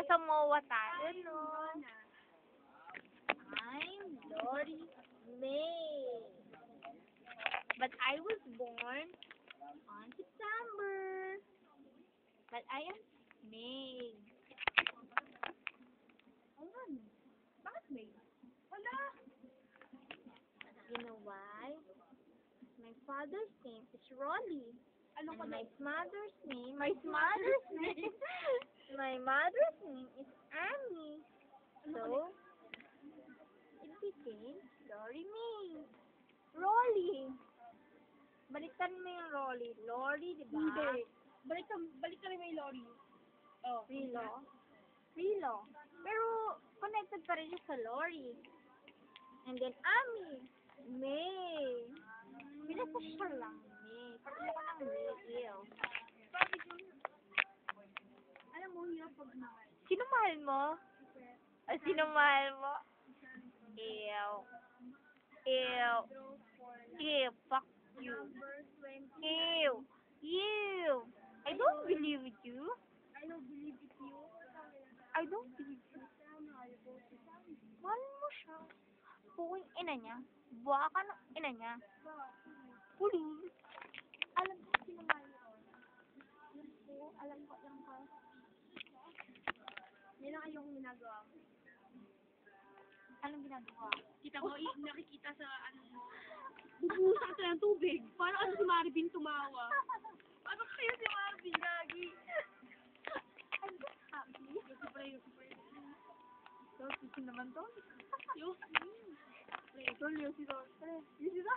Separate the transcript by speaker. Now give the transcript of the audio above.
Speaker 1: Nasa MOA tayo, no? I'm Lori May. But I was born on September. But I am May.
Speaker 2: Ayan. Bakit May? Wala.
Speaker 1: You know why? My father's name is Rolly.
Speaker 2: Ano
Speaker 1: And my mother's name is Annie. So, it became Lori May. Rolly. Balikan mo yung Rolly. Lori, di ba?
Speaker 2: Hindi. Balik ka rin may Lori. Oh.
Speaker 1: Rilo. Pero, connected pa rin siya sa Lori. And then, Ami. May. Pinasasya lang. May. Pati ako ng May. Ew.
Speaker 2: Alam mo, hirap pag mahal.
Speaker 1: Sino mahal mo? Sino mahal mo? Ew. Ew. Ew. Fuck you. Ew. Ew. I don't believe you.
Speaker 2: I don't believe it's you.
Speaker 1: I don't believe you. Mahal mo siya. Puking ina niya. Buwa ka ng ina niya. Kulul.
Speaker 2: Alam ko sino mahal mo. Yun po, alam ko lang ko. Yan ang ayong ginagawa mo.
Speaker 1: Anong ginagawa?
Speaker 2: Kita mo, nakikita sa ano. Bubuhusan ka ng tubig. Paano ano si Marvin tumawa? Paano kayo si Marvin, Gagi?
Speaker 1: I'm just happy. Yosi naman to.
Speaker 2: Yosi.
Speaker 1: Yosi to.